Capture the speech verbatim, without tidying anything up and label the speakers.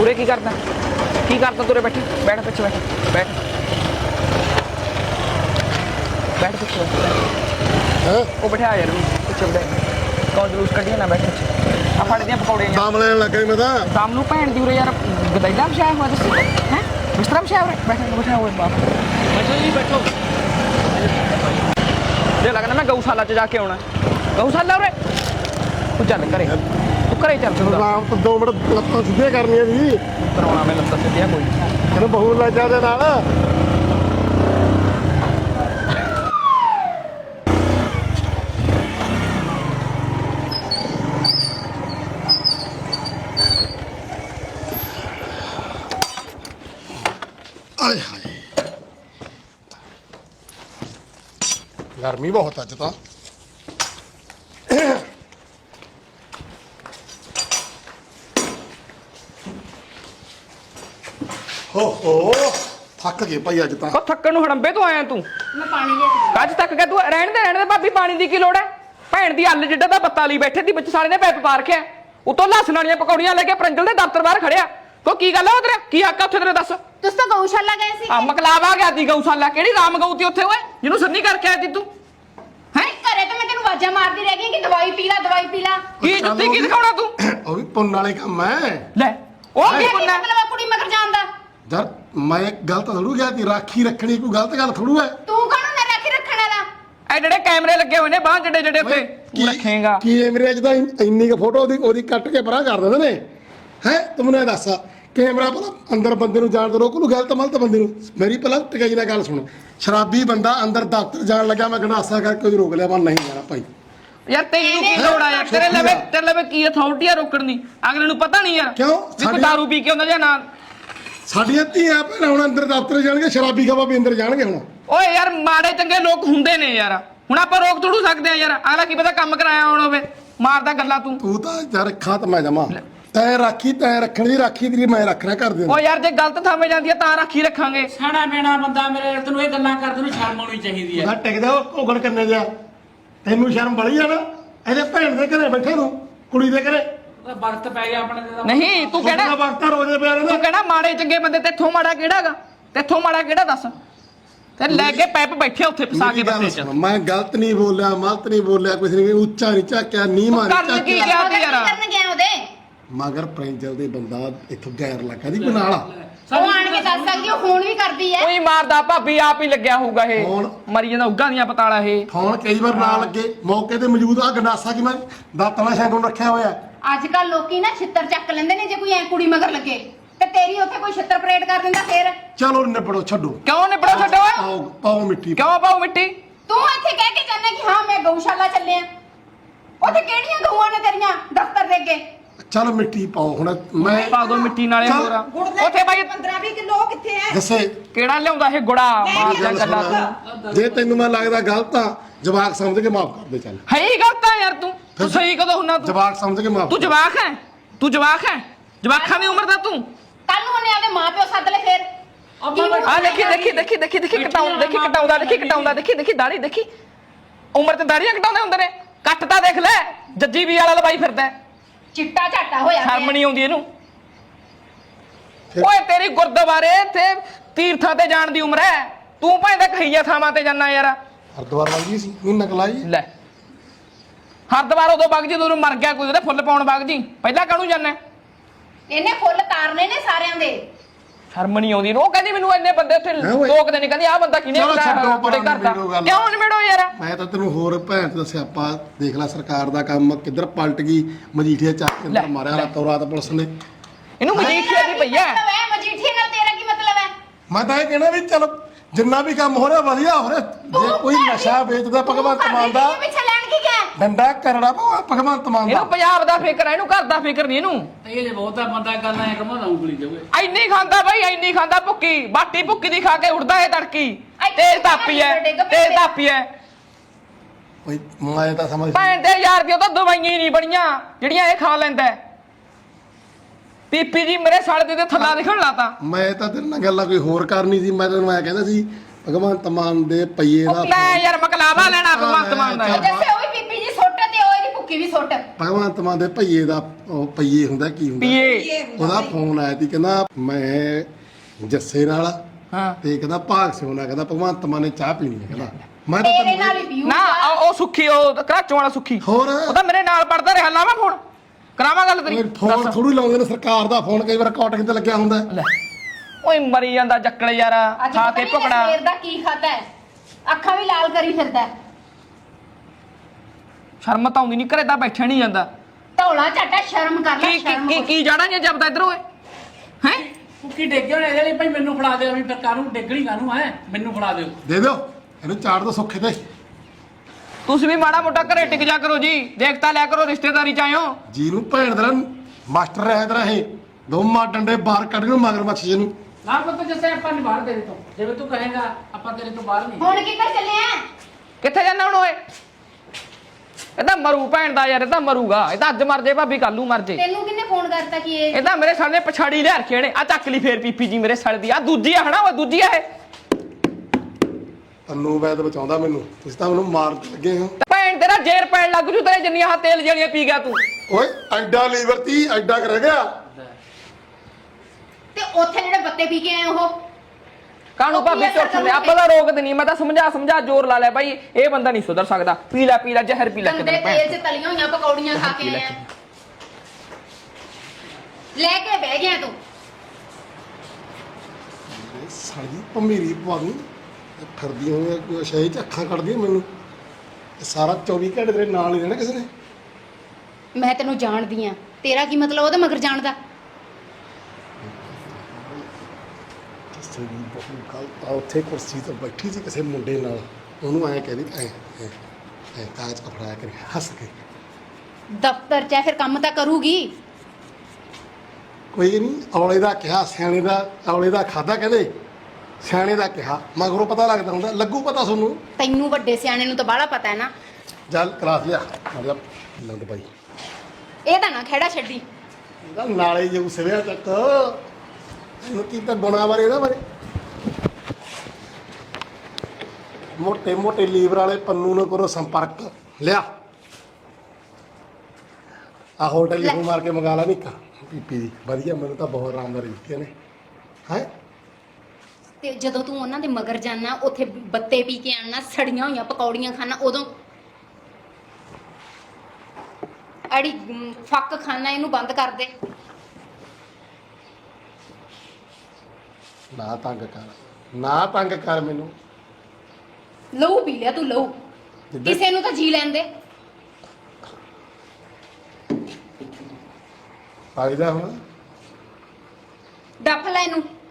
Speaker 1: ਉਰੇ ਕੀ ਕਰਦਾ ਕੀ ਕਰਦਾ ਤੁਰੇ ਬੈਠੇ ਬੈਠ ਪਿੱਛੇ ਬੈਠ ਬੈਠ ਬੈਠ ਪਿੱਛੇ ਬੈਠ
Speaker 2: ਹੈ
Speaker 1: ਉਹ ਬਿਠਾ ਯਾਰ ਪਿੱਛੇ ਬੈਠ ਕੌਣ ਜਲੂਸ ਕੱਢੀਏ ਨਾ ਬੈਠ ਆ ਫੜ ਦੀਆਂ ਪਕੌੜੇ
Speaker 2: ਦਾਮ ਲੈਣ ਲੱਗਾ ਮੈਂ ਤਾਂ
Speaker 1: ਸ਼ਾਮ ਨੂੰ ਭੈਣ ਦੀ ਉਰੇ ਯਾਰ ਗਦਾਈਦਾ ਵਿਛਾਇਆ ਹੋਇਆ ਦੱਸੀ ਹੈ ਬਿਸਤਰਾ ਵਿਛਾਇਆ ਹੋਇਆ ਬੈਠੋ ਬਿਠਾ ਹੋਇਆ ਬਾਪ ਬੈਠੋ ਜੀ ਬੈਠੋ ਜੇ ਲੱਗਦਾ ਮੈਂ ਗਊਸ਼ਾਲਾ 'ਚ ਜਾ ਕੇ ਆਉਣਾ ਗਊਸ਼ਾਲਾ ਉਰੇ ਤੂੰ ਚੱਲ ਘਰੇ ਤੂੰ ਘਰੇ ਚੱਲ ਤੂੰ
Speaker 2: ਆਰਾਮ ਤੋਂ ਦੋ ਮਿੰਟ ਲੱਤਾਂ ਸਿੱਧੀਆਂ ਕਰਨੀਆਂ ਸੀ
Speaker 1: ਕਰਾਉਣਾ ਮੈਂ ਲੱਤਾਂ ਸਿੱਧੀਆਂ ਕੋਈ
Speaker 2: ਇਹਨੂੰ ਬਹੂ ਲੈ ਜਾ ਦੇ ਨਾਲ ਆਏ ਹਾਏ ਗਰਮੀ ਬਹੁਤ ਅੱਜ ਤਾਂ ਹੋ ਹੋ ਥੱਕ ਗਏ ਭਾਈ ਅੱਜ ਤਾਂ
Speaker 1: ਕੋ ਥੱਕਣ ਨੂੰ ਹੜੰਬੇ ਤੋਂ ਆਇਆ ਤੂੰ
Speaker 3: ਮੈਂ ਪਾਣੀ ਲੈ ਕੇ
Speaker 1: ਕੱਜ ਤੱਕ ਗਿਆ ਤੂੰ ਰਹਿਣ ਦੇ ਰਹਿਣ ਦੇ ਭਾਬੀ ਪਾਣੀ ਦੀ ਕੀ ਲੋੜ ਹੈ ਭੈਣ ਦੀ ਅੱਲ ਜਿੱਡਾ ਦਾ ਪੱਤਾ ਲਈ ਬੈਠੇ ਦੀ ਵਿੱਚ ਸਾਰੇ ਨੇ ਪੈਪ ਪਾ ਰੱਖਿਆ ਉਤੋਂ ਲਸਣ ਵਾਲੀਆਂ ਪਕੌੜੀਆਂ ਲੈ ਕੇ ਪ੍ਰੰਜਲ ਦੇ ਦਫ਼ਤਰ ਬਾਹਰ ਖੜਿਆ ਕੋ ਕੀ ਗੱਲ ਆ ਉਧਰ ਕੀ ਹੱਕ ਆ ਉੱਥੇ ਤੇਰੇ ਦੱਸ
Speaker 3: ਤੁਸੀਂ ਤਾਂ ਗਊਸ਼ਾਲਾ ਗਏ ਸੀ
Speaker 1: ਆ ਮਕਲਾਵਾ ਆ ਗਿਆ ਦੀ ਗਊਸ਼ਾਲਾ ਕਿਹੜੀ ਰਾਮ ਗਊ ਤੀ ਉੱਥੇ ਓਏ ਜਿਹਨੂੰ ਸੰਨੀ ਕਰਕੇ ਆਈ ਤੀ ਤੂੰ
Speaker 3: ਹੈ ਘਰੇ ਤਾਂ ਮੈਂ ਤੈਨੂੰ ਆਵਾਜ਼ਾਂ ਮਾਰਦੀ ਰਹਿ ਗਈ ਕਿ ਦਵਾਈ ਪੀ ਲੈ ਦਵਾਈ ਪੀ ਲੈ
Speaker 1: ਕੀ ਜੁੱਤੀ ਕੀ ਦਿਖਾਉਣਾ ਤੂੰ
Speaker 2: ਉਹ ਵੀ ਪੁੰਨ ਵਾਲੇ ਕੰਮ ਹੈ
Speaker 1: ਲੈ ਉਹ ਕੀ
Speaker 3: ਕੀ
Speaker 1: ਬੰਨਾ
Speaker 3: ਮਤਲਬ ਹੈ ਕੁੜੀ ਮਗਰ ਜਾਣ ਦਾ
Speaker 2: ਯਾਰ ਮੈਂ ਗਲਤ ਥੋੜੂ ਗਿਆ ਤੀ ਰਾਖੀ ਰੱਖਣੀ ਕੋਈ ਗਲਤ ਗੱਲ ਥੋੜੂ ਹੈ
Speaker 3: ਤੂੰ ਕਾਹਨੂੰ ਨਾ ਰੱਖੀ ਰੱਖਣ ਵਾਲਾ
Speaker 1: ਇਹ ਜਿਹੜੇ ਕੈਮਰੇ ਲੱਗੇ ਹੋਏ ਨੇ ਬਾਹਰ ਜਿਹੜੇ ਜਿਹੜੇ ਉੱਤੇ ਤੂੰ ਰੱਖੇਗਾ
Speaker 2: ਕੀ ਕੈਮਰੇ ਚ ਤਾਂ ਇੰਨੀ ਕੁ ਫੋਟੋ ਉਹਦੀ ਉਹਦੀ ਕੱਟ ਕੇ ਪਰਾਂ ਕਰ ਦਿੰਦੇ ਨੇ ਹੈ ਤੂੰ ਮੈਨੂੰ ਇਹ ਦੱਸ ਕੈਮਰਾ ਪਹਿਲਾਂ ਅੰਦਰ ਬੰਦੇ ਨੂੰ ਜਾਣ ਤੋਂ ਰੋਕ ਲੂ ਗਲਤ ਮਲਤ ਬੰਦੇ ਨੂੰ ਮੇਰੀ ਪਹਿਲਾਂ ਟਿਕਾਈ ਨਾਲ ਗੱਲ ਸੁਣ ਸ਼ਰਾਬੀ ਬੰਦਾ ਅੰਦਰ ਦਫ਼ਤਰ ਜਾਣ ਲੱਗਾ ਮੈਂ ਗੰਡਾਸਾ ਕਰਕੇ ਉਹਦੀ ਰੋਕ ਲਿਆ ਮੈਂ ਨਹੀਂ ਜਾਣਾ ਭਾਈ
Speaker 1: ਯਾਰ ਤੈਨੂੰ ਕੀ ਲੋੜ ਆ ਯਾਰ ਤੇਰੇ ਲਵੇ ਤੇਰੇ ਲਵੇ ਕੀ ਅਥਾਰਟੀ ਆ ਰੋਕਣ ਦੀ ਅਗਲੇ ਨੂੰ ਪਤਾ ਨਹੀਂ ਯਾਰ
Speaker 2: ਕਿਉਂ?
Speaker 1: ਜੇ ਕੋਈ ਦਾਰੂ ਪੀ ਕੇ ਆਉਂਦਾ ਜਾਂ ਨਾ
Speaker 2: ਸਾਡੀਆਂ ਧੀਆਂ ਭੈਣਾਂ ਹੁਣ ਅੰਦਰ ਦਫ਼ਤਰ ਜਾਣਗੇ ਸ਼ਰਾਬੀ ਖਵਾ ਵੀ ਅੰਦਰ ਜਾਣਗੇ ਹੁਣ
Speaker 1: ਓਏ ਯਾਰ ਮਾੜੇ ਚੰਗੇ ਲੋਕ ਹੁੰਦੇ ਨੇ ਯਾਰ ਹੁਣ ਆਪਾਂ ਰੋਕ ਥੋੜੂ ਸਕਦੇ ਆ ਯਾਰ ਅਗਲਾ ਕੀ ਪਤਾ ਕੰਮ ਕਰਾਇਆ ਹੋਣ ਹੋਵੇ ਮਾਰਦਾ ਗੱਲਾਂ ਤੂੰ
Speaker 2: ਤੂੰ ਤਾਂ ਯਾਰ ਖਾਤ ਮੈਂ ਜਮਾ ਤੈਂ ਰਾਖੀ ਤੈਂ ਰੱਖਣ ਦੀ ਰਾਖੀ ਤੇਰੀ ਮੈਂ ਰੱਖਣਾ ਕਰ ਦੇ
Speaker 1: ਓ ਯਾਰ ਜੇ ਗਲਤ ਥਾਵੇਂ ਜਾਂਦੀ ਆ ਤਾਂ ਰਾਖੀ ਰੱਖਾਂਗੇ
Speaker 4: ਸਾਣਾ ਬੇਣਾ ਬੰਦਾ ਮੇਰੇ ਤੈਨੂੰ ਇਹ ਗੱਲਾਂ ਕਰਦੇ ਨੂੰ ਸ਼ਰਮ ਆਉਣੀ ਚਾਹੀਦੀ ਹੈ
Speaker 2: ਮੈਂ ਟਿਕਦਾ ਘੋਗਣ ਕਰਨੇ ਜਾ ਤੈਨੂੰ ਸ਼ਰਮ ਬੜੀ ਆ ਨਾ ਇਹਦੇ ਭੈਣ ਦੇ ਘਰੇ ਬੈਠੇ ਨੂੰ ਕੁੜੀ ਦੇ ਘਰੇ
Speaker 4: ਉਹਦਾ ਵਕਤ ਪੈ ਗਿਆ ਆਪਣੇ ਤੇ
Speaker 1: ਨਹੀਂ ਤੂੰ
Speaker 2: ਕਿਹੜਾ
Speaker 1: ਕਹਿਣਾ
Speaker 2: ਵਕਤ ਰੋਜ਼ੇ ਪਿਆ
Speaker 1: ਤੂੰ
Speaker 2: ਰਹਿੰਦਾ
Speaker 1: ਕਹਿਣਾ ਮਾੜੇ ਚੰਗੇ ਬੰਦੇ ਤੇਥੋਂ ਮਾੜਾ ਕਿਹੜਾਗਾ ਤੇਥੋਂ ਮਾੜਾ ਕਿਹੜਾ ਦੱਸ ਤੇ ਲੈ ਕੇ ਪੈਪ ਬੈਠੇ ਉੱਥੇ ਫਸਾ ਕੇ ਬੱਤੇ ਚ
Speaker 2: ਮੈਂ ਗਲਤ ਨਹੀਂ ਬੋਲਿਆ ਮਲਤ ਨਹੀਂ ਬੋਲਿਆ ਕੁਛ ਨਹੀਂ ਉੱਚਾ ਨਹੀਂ ਝਾਕਿਆ ਨੀਵਾਂ ਨਹੀਂ
Speaker 1: ਕਰਨ ਕੀ
Speaker 2: ਝਾਕਿਆ
Speaker 1: ਗਿਆ ਤੇ ਯਾਰ
Speaker 3: ਕਰਨ ਗਿਆ ਉਹਦੇ
Speaker 2: ਮਗਰ ਪ੍ਰੈਂਜਲ ਦੇ ਬੰਦਾ ਇੱਥੋਂ ਗੈਰ ਲੱਗਾ ਦੀ ਬਨਾਲਾ
Speaker 3: ਉਹ ਆਣ ਕੇ ਦੱਸ ਸਕਦੀ ਉਹ ਫੋਨ ਵੀ ਕਰਦੀ ਹੈ
Speaker 1: ਕੋਈ ਮਾਰਦਾ ਭਾਬੀ ਆਪ ਹੀ ਲੱਗਿਆ ਹੋਊਗਾ ਇਹ
Speaker 2: ਕੌਣ?
Speaker 1: ਮਰੀ ਜਾਂਦਾ ਉੱਗਾਂ ਦੀਆਂ ਪਤਾਲਾ ਇਹ
Speaker 2: ਫੋਨ ਕਈ ਵਾਰ ਨਾ ਲੱਗੇ ਮੌਕੇ ਤੇ ਮੌਜੂਦ ਆ ਗੰਡਾਸਾ ਕਿ ਮੈਂ ਦਾਤਣਾ ਸ਼ੈਂਕ ਨੂੰ ਰੱਖਿਆ ਹੋਇਆ
Speaker 3: ਅੱਜ ਕੱਲ ਲੋਕੀ ਨਾ ਛਿੱਤਰ ਚੱਕ ਲੈਂਦੇ ਨੇ ਜੇ ਕੋਈ ਐ ਕੁੜੀ ਮਗਰ ਲੱਗੇ ਤੇ ਤੇਰੀ ਉੱਥੇ ਕੋਈ ਛਿੱਤਰ ਪਰੇਡ ਕਰ ਦਿੰਦਾ ਫੇਰ
Speaker 2: ਚਲੋ ਨਿਬੜੋ ਛੱਡੋ
Speaker 1: ਕਿਉਂ ਨਿਬੜੋ ਛੱਡੋ ਓਏ
Speaker 2: ਪਾਓ ਪਾਓ ਮਿੱਟੀ
Speaker 1: ਕਿਉਂ ਪਾਉ ਮਿੱਟੀ
Speaker 3: ਤੂੰ ਇੱਥੇ ਕਹਿ ਕੇ ਜਾਂਦਾ ਕਿ ਹਾਂ ਮੈਂ ਗਊਸ਼ਾਲਾ ਚੱਲਿਆ ਉੱਥੇ ਕਿਹੜੀਆਂ ਗਊਆਂ ਨੇ ਤੇਰੀਆਂ ਦਫ਼ਤਰ ਦੇ ਅੱਗੇ
Speaker 2: ਚਲ ਮਿੱਟੀ ਪਾਓ ਹੁਣ ਮੈਂ
Speaker 1: ਪਾ ਦੋ ਮਿੱਟੀ ਨਾਲੇ
Speaker 2: ਚੱਲ।
Speaker 1: ਹੋਰ ਉੱਥੇ ਬਾਈ
Speaker 3: ਪੰਦਰਾਂ ਵੀਹ ਕਿਲੋ ਕਿੱਥੇ ਐ
Speaker 2: ਦੱਸੇ
Speaker 1: ਕਿਹੜਾ ਲਿਆਉਂਦਾ ਇਹ ਗੁੜਾ ਮਾਰਦਾ ਗੱਲਾਂ ਤੂੰ
Speaker 2: ਜੇ ਤੈਨੂੰ ਮੈਂ ਲੱਗਦਾ ਗਲਤ ਆ ਜਵਾਕ ਸਮਝ ਕੇ ਮਾਫ ਕਰ ਦੇ ਚੱਲ
Speaker 1: ਹੈ ਹੀ ਗਲਤ ਆ ਯਾਰ ਤੂੰ ਤੂੰ ਸਹੀ ਕਦੋਂ ਹੁੰਨਾ ਤੂੰ
Speaker 2: ਜਵਾਕ ਸਮਝ ਕੇ ਮਾਫ
Speaker 1: ਤੂੰ ਜਵਾਕ ਹੈ ਤੂੰ ਜਵਾਕ ਹੈ ਜਵਾਕਾਂ ਦੀ ਉਮਰ ਦਾ ਤੂੰ
Speaker 3: ਕੱਲ ਨੂੰ ਉਹਨੇ ਆਪਦੇ ਮਾਂ ਪਿਓ ਸੱਦ ਲੈ ਫੇਰ
Speaker 1: ਆ ਦੇਖੀ ਦੇਖੀ ਦੇਖੀ ਦੇਖੀ ਦੇਖੀ ਕਟਾਉਂ ਦੇਖੀ ਕਟਾਉਂਦਾ ਦੇਖੀ ਕਟਾਉਂਦਾ ਦੇਖੀ ਦੇਖੀ ਦਾੜੀ ਦੇਖੀ ਉਮਰ ਤੇ ਦਾੜੀਆਂ ਕਟਾਉਂਦੇ ਹੁੰਦੇ ਨੇ ਕੱਟ ਤਾਂ ਦੇਖ ਲੈ ਜੱਜੀ ਵੀ ਵਾਲਾ ਲਵਾਈ ਫਿਰਦਾ
Speaker 3: ਚਿੱਟਾ ਝਾਟਾ ਹੋਇਆ
Speaker 1: ਸ਼ਰਮ ਨਹੀਂ ਆਉਂਦੀ ਇਹਨੂੰ ਓਏ ਤੇਰੀ ਗੁਰਦੁਆਰੇ ਤੇ ਤੀਰਥਾਂ ਤੇ ਜਾਣ ਦੀ ਉਮਰ ਹੈ ਤੂੰ ਭਾਵੇਂ ਕਹੀਆ ਥਾਵਾਂ ਤੇ ਜਾਣਾ ਯਾਰ
Speaker 2: ਹਰਦੁਆਰ ਵੱਲ ਗਈ ਸੀ ਮਹੀਨਾ ਕਲਾਈ
Speaker 1: ਲੈ ਹਰਦੁਆਰ ਉਦੋਂ ਵਗ ਜੀ ਤੂੰ ਮਰ ਗਿਆ ਕੋਈ ਉਹਦੇ ਫੁੱਲ ਪਾਉਣ ਵਗ ਜੀ ਪਹਿਲਾਂ ਕਾਹਨੂੰ ਜਾਣਾ
Speaker 3: ਇਹਨੇ ਫੁੱਲ ਤਾਰਨੇ ਨੇ ਸਾਰਿਆਂ ਦੇ
Speaker 1: ਸ਼ਰਮ ਨਹੀਂ ਆਉਂਦੀ ਉਹ ਕਹਿੰਦੀ ਮੈਨੂੰ ਇੰਨੇ ਬੰਦੇ ਉੱਥੇ ਲੋਕ ਤੇ ਨਹੀਂ ਕਹਿੰਦੀ ਆਹ ਬੰਦਾ ਕਿਹਨੇ
Speaker 2: ਚਲੋ ਛੱਡੋ
Speaker 1: ਬੁਲਾਇਆ
Speaker 2: ਪਰਾਂ
Speaker 1: ਘਰ ਦਾ
Speaker 2: ਨਿਬੇੜੋ ਗੱਲ।
Speaker 1: ਕਿਉਂ ਨਿਬੇੜੋ ਯਾਰ
Speaker 2: ਮੈਂ ਤਾਂ ਤੈਨੂੰ ਹੋਰ ਭੈਣ ਤੇ ਦੱਸਿਆ ਆਪਾਂ ਦੇਖ ਲੈ ਸਰਕਾਰ ਦਾ ਕੰਮ ਕਿੱਧਰ ਪਲਟ ਗਈ ਮਜੀਠੀਆ ਚੱਕ ਕੇ ਅੰਦਰ ਮਾਰਿਆ ਰਾਤੋਂ ਰਾਤ ਪੁਲਿਸ ਨੇ
Speaker 1: ਇਹਨੂੰ ਮਜੀਠੀਆ ਦੀ ਪਈਆ
Speaker 3: ਮਤਲਬ ਹੈ ਮਜੀਠੀਏ ਨਾਲ ਤੇਰਾ ਕੀ ਮਤਲਬ ਹੈ
Speaker 2: ਮੈਂ ਤਾਂ ਇਹ ਕਹਿਣਾ ਵੀ ਚਲ ਜਿੰਨਾ ਵੀ ਕੰਮ ਹੋ ਰਿਹਾ ਵਧੀਆ ਹੋ ਰਿਹਾ ਜੇ ਕੋਈ ਨਸ਼ਾ ਵੇਚਦਾ ਭਗਵੰਤ ਮਾਨ ਦਾ
Speaker 3: ਪਿੱਛੇ ਲੈਣ ਕੀ ਗਿਆ
Speaker 2: ਡੰਡਾ ਕਰੜਾ ਭਗਵੰਤ ਮਾਨ ਦਾ
Speaker 1: ਇਹਨੂੰ ਪੰਜਾਬ ਦਾ ਫਿਕਰ ਹੈ ਇਹਨੂੰ ਘਰ ਦਾ ਫਿਕਰ ਨਹੀਂ ਇਹਨੂੰ
Speaker 4: ਇਹ ਜੇ ਬਹੁਤਾ ਬੰਦਾ ਕਰਨਾ ਹੈ ਕਮਾਉਂਦਾ ਉਂਗਲੀ ਜਾਵੇ
Speaker 1: ਐਨੀ ਖਾਂਦਾ ਬਾਈ ਐਨੀ ਖਾਂਦਾ ਭੁੱਕੀ ਬਾਟੀ ਭੁੱਕੀ ਦੀ ਖਾ ਕੇ ਉੱਠਦਾ ਇਹ ਤੜਕੀ ਤੇਜ਼ ਤਾਪੀ ਐ ਤੇਜ਼ ਤਾਪੀ ਐ
Speaker 2: ਓਏ ਮੈਂ ਤਾਂ ਸਮਝ
Speaker 1: ਭੈਣ ਦੇ ਯਾਰ ਦੀਆਂ ਤਾਂ ਦਵਾਈਆਂ ਹੀ ਨਹੀਂ ਬਣੀਆਂ ਜਿਹੜੀਆਂ ਇਹ ਖਾ ਲੈਂਦਾ ਪੀਪੀ ਜੀ ਮੇਰੇ ਸਾਲੇ ਦੇ ਥੱਲਾ ਦਿਖਣ ਲਾਤਾ
Speaker 2: ਮੈਂ ਤਾਂ ਤੇਰੇ ਨਾਲ ਗੱਲਾਂ ਕੋਈ ਹੋਰ ਕਰਨੀ ਸੀ ਮੈਂ ਤੈਨੂੰ ਮੈਂ ਕਹਿੰਦਾ ਸੀ ਭਗਵੰਤ ਮਾਨ ਦੇ ਪਈਏ ਦਾ
Speaker 1: ਲੈ ਯਾਰ ਮਕਲਾਵਾ ਲੈਣਾ ਭਗਵੰਤ ਮਾਨ ਦਾ
Speaker 3: ਦੱਸੇ ਉਹ ਵੀ ਬੀਬੀ ਜੀ ਸੁੱਟ ਤੇ ਉਹ ਇਹਦੀ ਭੁੱਕੀ ਚੱਕੀ ਵੀ ਸੁੱਟ।
Speaker 2: ਭਗਵੰਤ ਮਾਨ ਦੇ ਭਈਏ ਦਾ ਉਹ ਪਈਏ ਹੁੰਦਾ ਕੀ ਹੁੰਦਾ
Speaker 1: ਪੀਏ
Speaker 2: ਉਹਦਾ ਫੋਨ ਆਇਆ ਸੀ ਕਹਿੰਦਾ ਮੈਂ ਜੱਸੇ ਨਾਲ
Speaker 1: ਹਾਂ
Speaker 2: ਤੇ ਕਹਿੰਦਾ ਭਾਗ ਸਿੰਘ ਨਾਲ ਕਹਿੰਦਾ ਭਗਵੰਤ ਮਾਨ ਨੇ ਚਾਹ ਪੀਣੀ ਹੈ ਕਹਿੰਦਾ ਮੈਂ ਤਾਂ
Speaker 3: ਤੇਰੇ ਨਾਲ
Speaker 2: ਤੈਨੂੰ
Speaker 3: ਹੀ ਪੀਊ।
Speaker 1: ਨਾ ਉਹ- ਉਹ ਸੁੱਖੀ ਉਹ ਕਰਾਚੋਂ ਵਾਲਾ ਸੁੱਖੀ
Speaker 2: ਹੋਰ
Speaker 1: ਉਹ ਤਾਂ ਮੇਰੇ ਨਾਲ ਪੜਦਾ ਰਿਹਾ ਲਾਵਾਂ ਫੋਨ ਕਰਾਵਾਂ ਗੱਲ ਤੇਰੀ
Speaker 2: ਫੋਨ
Speaker 1: ਦੱਸ।
Speaker 2: ਥੋੜੀ ਲਾਉਂਦੇ ਨੇ ਸਰਕਾਰ ਦਾ ਫੋਨ ਕਈ ਵਾਰ ਕਾਟਿੰਗ ਤੇ ਲੱਗਿਆ ਹੁੰਦਾ
Speaker 1: ਲੈ ਓਏ ਮਰੀ ਜਾਂਦਾ ਜੱਕੜ ਯਾਰ
Speaker 3: ਅੱਜ
Speaker 1: ਖਾ
Speaker 3: ਪਤਾ
Speaker 1: ਕੇ
Speaker 3: ਨੀ
Speaker 1: ਭੁਕਣਾ
Speaker 3: ਸਵੇਰ ਦਾ ਕੀ ਖਾਦਾ ਹੈ। ਅੱਖਾਂ ਵੀ ਲਾਲ ਕਰੀ ਫਿਰਦਾ ਹੈ।
Speaker 1: ਸ਼ਰਮ ਤਾਂ ਆਉਂਦੀ ਨਹੀਂ ਘਰੇ ਤਾਂ ਬੈਠਿਆ ਨਹੀਂ ਜਾਂਦਾ
Speaker 3: ਢੋਲਾ ਝਾਟਾ ਸ਼ਰਮ ਕਰ ਲੈ
Speaker 1: ਕੀ
Speaker 3: ਸ਼ਰਮ
Speaker 1: ਕੀ ਕੀ ਜਾਣਾ ਜੇ ਜਬਦਾ ਇਧਰ ਓਏ ਹੈ
Speaker 4: ਕੁੱਕੀ ਡਿੱਗ ਗਏ ਇਹਦੇ ਲਈ ਭਾਈ ਮੈਨੂੰ ਫੜਾ ਦਿਓ ਵੀ ਫਿਰ ਕਾਹਨੂੰ ਡਿੱਗਣੀ ਕਾਹਨੂੰ ਹੈ ਮੈਨੂੰ ਫੜਾ ਦਿਓ
Speaker 2: ਦੇ ਦਿਓ ਇਹਨੂੰ ਚਾੜ ਦੋ ਸੁੱਖੇ ਤੇ
Speaker 1: ਤੁਸੀਂ ਵੀ ਮਾੜਾ ਮੋਟਾ ਘਰੇ ਟਿਕ ਜਾ ਕਰੋ ਜੀ ਦੇਖਤਾ ਲਿਆ ਕਰੋ ਰਿਸ਼ਤੇਦਾਰੀ ਚ ਆਇਓ
Speaker 2: ਜੀ ਨੂੰ ਭੈਣ ਦਾ ਮਾਸਟਰ ਰਹਿ ਤਰਾ ਇਹ ਦੋ ਮਾਰ ਡੰਡੇ ਬਾਹਰ ਕੱਢ ਨੂੰ ਮਗਰ ਮੱਛ ਜੀ ਨੂੰ
Speaker 4: ਨਾ ਪੁੱਤ ਜਿਵੇਂ ਆਪਾਂ ਨਹੀਂ ਬਾਹਰ ਤੇਰੇ ਤੋਂ ਜਿਵੇਂ ਤੂੰ ਕਹੇਗਾ ਆਪਾਂ ਤੇਰੇ ਤੋਂ ਬਾਹਰ ਨਹੀਂ
Speaker 3: ਹੁਣ ਕਿੱਧਰ ਚੱਲੇ ਆ?
Speaker 1: ਕਿੱਥੇ ਜਾਂਦਾ ਹੁਣ ਓਏ ਇਹ ਤਾਂ ਮਰੂ ਭੈਣ ਦਾ ਯਾਰ ਇਹ ਤਾਂ ਮਰੂਗਾ ਇਹ ਤਾਂ ਅੱਜ ਮਰ ਜੇ ਭਾਬੀ ਕੱਲੂ ਮਰ ਜੇ
Speaker 3: ਤੈਨੂੰ ਕਿੰਨੇ ਫੋਨ ਕਰਤਾ ਕਿ ਇਹ
Speaker 1: ਇਹ ਤਾਂ ਮੇਰੇ ਸਾਲੇ ਪਛਾੜੀ ਲਿਆ ਰੱਖੇ ਨੇ ਆ ਚੱਕ ਲਈ ਫੇਰ ਪੀਪੀ ਜੀ ਮੇਰੇ ਸਾਲੇ ਦੀ ਆ ਦੂਜੀ ਆ ਹਨਾ ਉਹ ਦੂਜੀ ਆ ਇਹ
Speaker 2: ਤੰਨੂ ਵੈਦ ਬਚਾਉਂਦਾ ਮੈਨੂੰ ਤੁਸੀਂ ਤਾਂ ਮੈਨੂੰ ਮਾਰ ਲੱਗੇ ਹੋ
Speaker 1: ਭੈਣ ਤੇਰਾ ਜ਼ੇਰ ਪੈਣ ਲੱਗ ਜੂ ਤੇਰੇ ਜਿੰਨੀਆਂ ਆਹ ਤੇਲ ਜਿਹੜੀਆਂ ਪੀ ਗਿਆ ਤੂੰ
Speaker 2: ਓਏ ਐਡਾ ਲੀਵਰ ਤੀ ਐਡਾ ਕਰ ਗਿਆ
Speaker 3: ਤੇ ਉੱਥੇ ਜਿਹੜੇ ਬੱਤੇ ਪੀ ਕੇ ਆਏ ਉਹ
Speaker 1: ਕਾਹਨੂੰ
Speaker 3: ਉਹ
Speaker 1: ਭਾਬੀ
Speaker 3: ਕੀ ਅਸਰ
Speaker 1: ਚੁੱਪ ਲੈ ਆਪਾਂ ਤਾਂ ਰੋਕਦੇ ਨਹੀਂ ਮੈਂ ਤਾਂ ਸਮਝਾ ਸਮਝਾ ਜ਼ੋਰ ਲਾ ਲਿਆ ਬਾਈ ਇਹ ਬੰਦਾ ਨਹੀਂ ਸੁਧਰ ਸਕਦਾ ਪੀ ਲੈ ਪੀ ਲੈ ਜ਼ਹਿਰ ਪੀ ਲੈ
Speaker 3: ਗੰਦੇ
Speaker 1: ਕਿਤੇ
Speaker 3: ਤੇਲ
Speaker 1: ਭੈਣ
Speaker 3: 'ਚ ਤਲੀਆਂ ਹੋਈਆਂ ਪਕੌੜੀਆਂ ਖਾ ਕੇ ਆਏ ਆ। ਲੈ ਕੇ ਬਹਿ ਗਿਆ ਤੂੰ।
Speaker 2: ਸਾਡੀ ਭਮੀਰੀ ਪਵਾ ਦੂੰ ਇਹ ਫਿਰਦੀਆਂ ਹੋਈਆਂ ਸ਼ਾਹੀ ਚ ਅੱਖਾਂ ਕੱਢਦੀਆਂ ਮੈਨੂੰ ਇਹ ਸਾਰਾ ਚੌਵੀ ਘੰਟੇ ਤੇਰੇ ਨਾਲ ਹੀ ਰਹਿਣਾ ਕਿਸੇ ਨੇ
Speaker 3: ਮੈਂ ਤੈਨੂੰ ਜਾਣਦੀ ਆ ਤੇਰਾ ਕੀ ਮਤਲਬ ਉਹਦੇ ਮਗਰ ਜਾਣ ਦਾ?
Speaker 2: ਕਿਸੇ ਦੀ ਬਹੂ ਕੱਲ ਤਾਂ ਉੱਥੇ ਕੁਰਸੀ ਤੇ ਬੈਠੀ ਸੀ ਕਿਸੇ ਮੁੰਡੇ ਨਾਲ ਉਹਨੂੰ ਐਂ ਕਹਿੰਦੀ ਐ ਐ ਐ ਕਾਜ ਕਫੜਾਇਆ ਕਰੀ ਹੱਸ ਕੇ
Speaker 3: ਦਫ਼ਤਰ 'ਚ ਹੈ ਫਿਰ ਕੰਮ ਤਾਂ ਕਰੂਗੀ।
Speaker 2: ਕੋਈ ਨਹੀਂ ਔਲੇ ਦਾ ਕਿਹਾ ਸਿਆਣੇ ਦਾ ਔਲੇ ਦਾ ਖਾਦਾ ਕਹਿੰਦੇ ਸਿਆਣੇ ਦਾ ਕਿਹਾ ਮਗਰੋਂ ਪਤਾ ਲੱਗਦਾ ਹੁੰਦਾ ਲੱਗੂ ਪਤਾ ਤੁਹਾਨੂੰ
Speaker 3: ਤੈਨੂੰ ਵੱਡੇ ਸਿਆਣੇ ਨੂੰ ਤਾਂ ਬਾਹਲਾ ਪਤਾ ਹੈ ਨਾ।
Speaker 2: ਜਲ ਕਲਾਸ ਲਿਆ ਮਤਲਬ ਲੰਡ ਬਾਈ
Speaker 3: ਇਹ ਤਾਂ ਨਾ ਖੇੜਾ ਛੱਡੀ।
Speaker 2: ਇਹਦਾ ਨਾਲੇ ਜਾਊ ਸਵੇਰ ਤੱਕ ਇਹਨੂੰ ਕੀ ਤਾਂ ਗੁਣਾ ਬਾਰੇ ਇਹਦਾ ਬਾਰੇ ਮੋਟੇ ਮੋਟੇ ਲੀਵਰ ਵਾਲੇ ਪੰਨੂ ਨੂੰ ਕਰੋ ਸੰਪਰਕ ਲਿਆ ਆ ਹੋਟਲ
Speaker 3: ਲੈ।
Speaker 2: ਨੂੰ ਮਾਰ ਕੇ ਮੰਗਾ ਲਾ ਨਿੱਕਾ ਪੀਪੀ ਦੀ ਵਧੀਆ ਮੈਨੂੰ ਤਾਂ ਬਹੁਤ ਆਰਾਮਦਾਰੀ ਦਿੱਤੀ ਨੇ ਹੈ
Speaker 3: ਤੇ ਜਦੋਂ ਤੂੰ ਉਹਨਾਂ ਦੇ ਮਗਰ ਜਾਣਾ ਉੱਥੇ ਬੱਤੇ ਪੀ ਕੇ ਆਣਾ ਸੜੀਆਂ ਹੋਈਆਂ ਪਕੌੜੀਆਂ ਖਾਣਾ ਉਦੋਂ ਅੜੀ ਫੱਕ ਖਾਣਾ ਇਹਨੂੰ ਬੰਦ ਕਰ ਦੇ।
Speaker 2: ਨਾ ਤੰਗ ਕਰ ਨਾ ਤੰਗ ਕਰ ਮੈਨੂੰ
Speaker 3: ਲਹੂ ਪੀ ਲਿਆ ਤੂੰ ਲਹੂ
Speaker 2: ਜਿੱਦਾਂ-
Speaker 3: ਕਿਸੇ ਨੂੰ ਤਾਂ ਜੀ ਲੈਣ ਦੇ।
Speaker 2: ਫਾਇਦਾ ਹੁਣ
Speaker 3: ਡੱਫ ਲੈ ਇਹਨੂੰ।